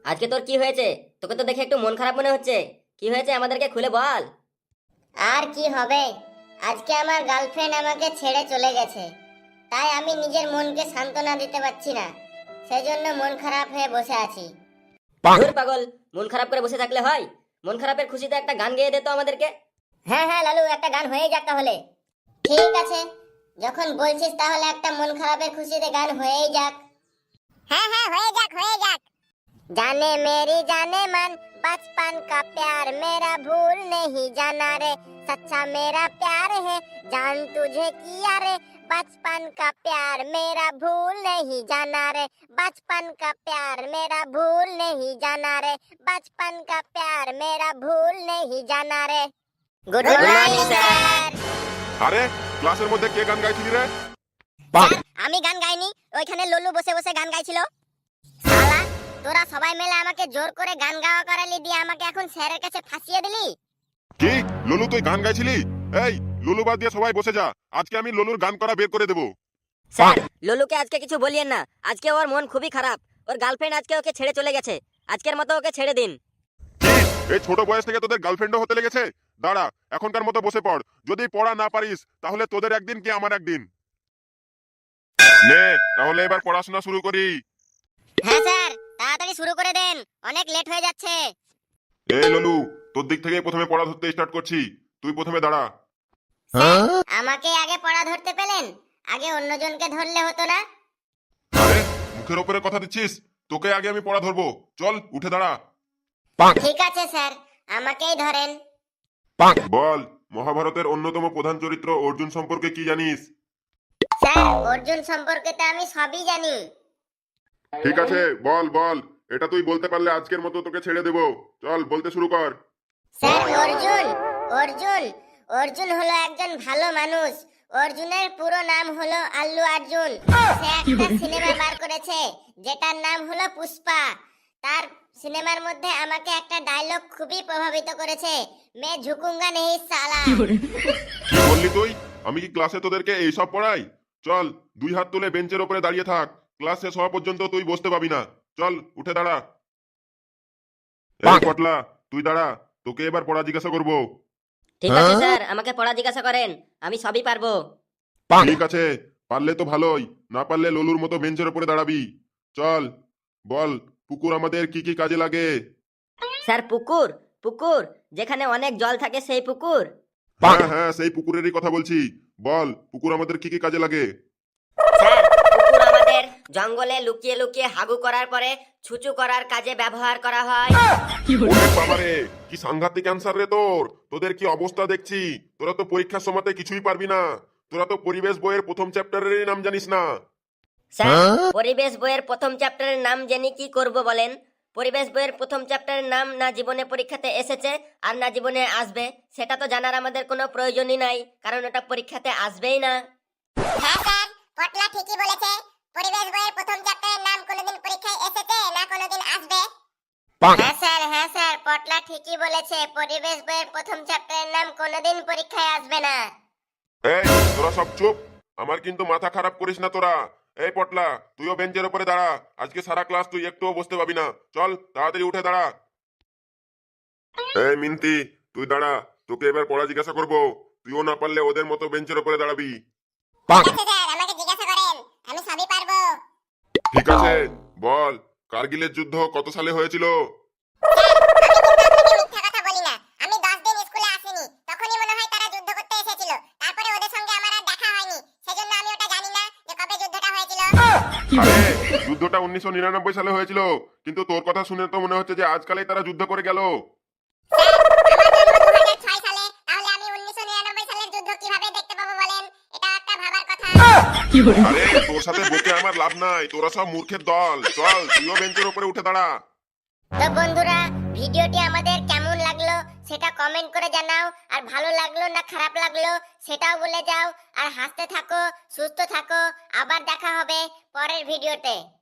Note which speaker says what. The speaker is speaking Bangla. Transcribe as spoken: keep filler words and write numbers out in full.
Speaker 1: আজকে তোর কি হয়েছে? তোকে তো দেখে একটু মন খারাপ মনে হচ্ছে। কি হয়েছে আমাদেরকে খুলে বল।
Speaker 2: আর কি হবে, আজকে আমার গার্লফ্রেন্ড আমাকে ছেড়ে চলে গেছে, তাই আমি নিজের মনকে সান্ত্বনা দিতে পারছি না, সেজন্য মন খারাপ হয়ে বসে আছি।
Speaker 1: ধুর পাগল, মন খারাপ করে বসে থাকলে হয়? মন খারাপের খুশিতে একটা গান গেয়ে দে তো আমাদেরকে।
Speaker 2: হ্যাঁ হ্যাঁ লালু, একটা গান হয়ে যাক তাহলে। ঠিক আছে, যখন বলছিস তাহলে একটা মন খারাপের খুশিতে গান হয়েই যাক। হ্যাঁ হ্যাঁ হয়ে যাক হয়ে যাক। जाने मेरी जाने मन बचपन का प्यार मेरा भूल नहीं जाना रे, सच्चा मेरा प्यार है जान तुझे किया रे, बचपन का प्यार मेरा भूल नहीं जाना रे, बचपन का प्यार मेरा भूल नहीं जाना रे, बचपन का प्यार मेरा भूल नहीं जाना रे। Good morning sir.
Speaker 3: আরে ক্লাসের মধ্যে কে গান গাইছিলি রে?
Speaker 2: স্যার আমি গান গাইনি, ওইখানে লল্লু বসে বসে গান গাইছিল। শালা তোরা সবাই মিলে আমাকে জোর করে গান গাওয়া করালি, দিয়ে আমাকে এখন স্যারের কাছে ফাঁসিয়ে দিলি।
Speaker 3: কি লুলু, তুই গান গাইছিলি? এই লুলু বাদ দিয়ে সবাই বসে যা, আজকে আমি লুলুর গান করা বের করে দেব।
Speaker 1: স্যার ললুকে আজকে কিছু বলিয়েন না, আজকে ওর মন খুবই খারাপ। ওর গার্লফ্রেন্ড আজকে ওকে ছেড়ে চলে গেছে, আজকের মতো ওকে ছেড়ে দিন।
Speaker 3: কি এই ছোট বয়স থেকে তোদের গার্লফ্রেন্ডও হতে লেগেছে? দাঁড়া, এখনকার মতো বসে পড়, যদি পড়া না পারিস তাহলে তোদের একদিন কি আমার একদিন। নে তাহলে এবার পড়াশোনা শুরু করি।
Speaker 2: হ্যাঁ স্যার, তাড়াতাড়ি শুরু করে দেন, অনেক লেট হয়ে যাচ্ছে।
Speaker 3: এই ললু, তোর দিক থেকে প্রথমে পড়া ধরতে স্টার্ট করছি, তুই প্রথমে দাঁড়া।
Speaker 2: স্যার আমাকে আগে পড়া ধরতে পেলেন, আগে অন্যজনকে ধরলে হতো না?
Speaker 3: আরে মুখের উপরে কথা দিচ্ছিস, তোকে আগে আমি পড়া ধরবো, চল উঠে দাঁড়া।
Speaker 2: ঠিক আছে স্যার, আমাকেই ধরেন।
Speaker 3: বল, মহাভারতের অন্যতম প্রধান চরিত্র অর্জুন সম্পর্কে কি জানিস?
Speaker 2: স্যার অর্জুন সম্পর্কে তো আমি সবই জানি।
Speaker 3: ঠিক আছে বল বল, এটা তুই বলতে পারলে আজকের মতো তোকে ছেড়ে দেব, চল বলতে শুরু কর।
Speaker 2: স্যার অর্জুন অর্জুন অর্জুন হলো একজন ভালো মানুষ। অর্জুনের পুরো নাম হলো আল্লু অর্জুন। সে একটা সিনেমা বার করেছে যেটার নাম হলো পুষ্পা। তার সিনেমার মধ্যে আমাকে একটা ডায়লগ খুবই প্রভাবিত করেছে, মে ঝুকুঙ্গা নেই সালা।
Speaker 3: কি বললি তুই? আমি কি ক্লাসে তোদেরকে এইসব পড়াই? চল দুই হাত তুলে বেঞ্চের উপরে দাঁড়িয়ে থাক, ক্লাস শেষ হওয়া পর্যন্ত তুই বসতে পাবি না, চল উঠে দাঁড়া। এই পটলা, তুই দাঁড়া, তোকে এবার পড়া জিজ্ঞাসা করবো।
Speaker 1: ঠিক আছে স্যার, আমাকে পড়া জিজ্ঞাসা করেন, আমি সবই পারবো।
Speaker 3: ঠিক আছে, পারলে তো ভালোই, না পারলে ললুর মতো বেঞ্চের উপরে দাঁড়াবি। চল বল, পুকুর আমাদের কি কি কাজে লাগে?
Speaker 1: স্যার পুকুর? পুকুর যেখানে অনেক জল থাকে সেই পুকুর?
Speaker 3: হ্যাঁ হ্যাঁ, সেই পুকুরেরই কথা বলছি, বল পুকুর আমাদের কি কি কাজে লাগে?
Speaker 1: স্যার পুকুর আমাদের জঙ্গলে লুকিয়ে লুকিয়ে হাগু করার পরে ছুচু করার কাজে ব্যবহার করা হয়।
Speaker 3: ওরে বাবারে, কি সাংঘাতিক অ্যান্সার রে তোর! তোদের কি অবস্থা দেখছি, তোরা তো পরীক্ষার সময়তে কিছুই পারবি না, তোরা তো পরিবেশ বইয়ের প্রথম চ্যাপ্টারেরই নাম জানিস না।
Speaker 1: স্যার পরিবেশ বইয়ের প্রথম চ্যাপ্টারের নাম জেনে কি করব বলেন? পরিবেশ বইয়ের প্রথম চ্যাপ্টারের নাম না জীবনে পরীক্ষাতে এসেছে আর না জীবনে আসবে, সেটা তো জানার আমাদের কোনো প্রয়োজনই নাই, কারণ ওটা পরীক্ষাতে আসবেই না।
Speaker 2: হ্যাঁ স্যার, পটলা ঠিকই বলেছে, পরিবেশ বইয়ের প্রথম চ্যাপ্টারের নাম কোনোদিন পরীক্ষায় এসেছে না কোনোদিন আসবে। হ্যাঁ স্যার হ্যাঁ স্যার, পটলা ঠিকই বলেছে, পরিবেশ বইয়ের প্রথম চ্যাপ্টারের নাম কোনোদিন পরীক্ষায় আসবে না।
Speaker 3: এই তোরা সব চুপ, আমার কিন্তু মাথা খারাপ করিস না তোরা। এই পটলা, তুইও বেঞ্চের উপরে দাঁড়া, আজকে সারা ক্লাস তুই একটুও বসতে পাবি না, চল তাড়াতাড়ি উঠে দাঁড়া। এই মিন্তি, তুই দাঁড়া, তোকে এবার পড়া জিজ্ঞাসা করবো, তুইও না পারলে ওদের মতো বেঞ্চের উপরে দাঁড়াবি।
Speaker 2: ঠিক আছে স্যার, আমাকে জিজ্ঞাসা করেন, আমি সবই পারবো।
Speaker 3: ঠিক আছে বল, কার্গিলের যুদ্ধ কত সালে হয়েছিল?
Speaker 2: মিথ্যা কথা বলি না, আমি দশ দিন স্কুলে আসিনি, তখনই মনে হয় তারা যুদ্ধ করতে এসেছিল, তারপরে ওদের সঙ্গে আমার আর দেখা হয়নি, সেজন্য আমি ওটা জানি না যে কবে যুদ্ধটা হয়েছিল।
Speaker 3: আরে যুদ্ধটা উনিশশো নিরানব্বই সালে হয়েছিল, কিন্তু তোর কথা শুনে তো মনে হচ্ছে যে আজকালই তারা যুদ্ধ করে গেল।
Speaker 2: আমার জন্ম দুই হাজার ছয় সালে, তাহলে আমি উনিশশো নিরানব্বই সালের যুদ্ধ কিভাবে দেখতে পাবো বলেন? এটা একটা ভাবার কথা।
Speaker 3: আরে তোর সাথে বকে আমার লাভ নাই, তোরা সব মূর্খের দল, চল তুইও বেঞ্চের উপরে উঠে দাঁড়া।
Speaker 2: তো বন্ধুরা, ভিডিওটি আমাদের কেমন লাগলো সেটা কমেন্ট করে জানাও, আর ভালো লাগলো না খারাপ লাগলো সেটাও বলে যাও, আর হাসতে থাকো, সুস্থ থাকো, আবার দেখা হবে পরের ভিডিওতে।